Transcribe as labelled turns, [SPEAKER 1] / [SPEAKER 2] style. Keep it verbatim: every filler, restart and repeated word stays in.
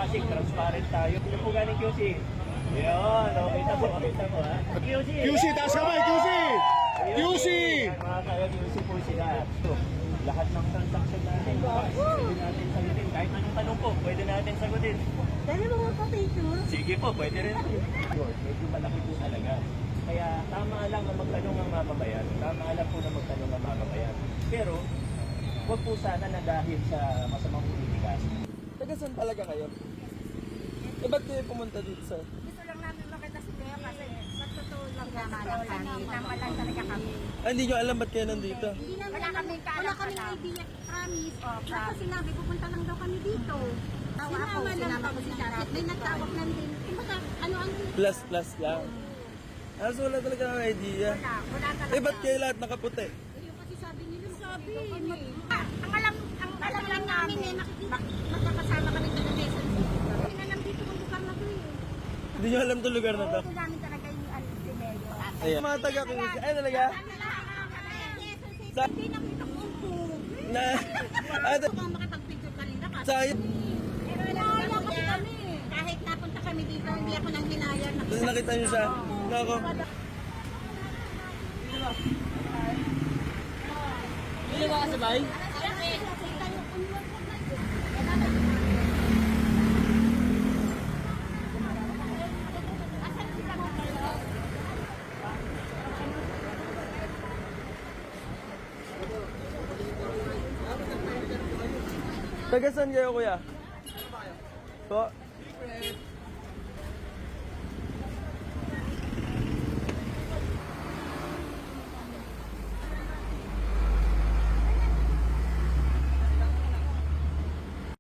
[SPEAKER 1] plastic, transparent tayo. Ano po galing Q C? Yun, o, kita mo, kita mo ha. Q C!
[SPEAKER 2] Q C, taas kamay, Q C! Q C!
[SPEAKER 1] Yan, mga kaya Q C po sila. So, lahat ng transaction natin, pwede natin sagutin. Kahit anong tanong po, pwede natin sagutin.
[SPEAKER 3] Dali mo mga picture.
[SPEAKER 1] Sige po, pwede rin. Medyo malaki po talaga. Kaya tama lang na magtanong ang mamamayan. Tama lang po na magtanong ang mamamayan. Pero, huwag po sana na dahil sa masamang politika.
[SPEAKER 4] Taga saan talaga kayo? Eh, ba't kayo pumunta dito, sir?
[SPEAKER 3] Gusto lang namin makita si Leo kasi magtotoo lang tama lang kami. Tama lang talaga kami.
[SPEAKER 4] Ah, hindi nyo alam ba't kayo nandito?
[SPEAKER 3] Hindi namin wala kami wala kami idea. Promise. Oh, Basta sinabi pupunta lang daw kami dito. Tawa ako, sinama ko si Jacket. May nagtawag lang din. Kumbaga, ano ang...
[SPEAKER 4] Plus, plus lang. Ah, so wala talaga ng idea.
[SPEAKER 3] Wala, wala talaga.
[SPEAKER 4] Eh, ba't kayo lahat nakaputi?
[SPEAKER 3] Yung kasi sabi nila, sabi, ah, ang alam, ang alam lang namin eh, nakikita, magkakasama kami sa Quezon City. Hindi na lang dito ang lugar na to eh.
[SPEAKER 4] Hindi nyo alam itong lugar na to?
[SPEAKER 3] Oo, namin talaga yung ano, si Leo.
[SPEAKER 4] Ayan. Mga taga Q C. Ay, talaga? Sa-
[SPEAKER 3] Hindi nakita ko ang pug.
[SPEAKER 4] Na... Ah,
[SPEAKER 3] Gusto kang makipag-picture kanina kasi.
[SPEAKER 4] sayang.
[SPEAKER 3] Pero wala kasi kami. Kahit napunta kami dito, hindi ako nang hinayar.
[SPEAKER 4] Tapos nakita nyo siya. Nako. Hindi ba kasabay? Taga saan kayo, kuya? Po?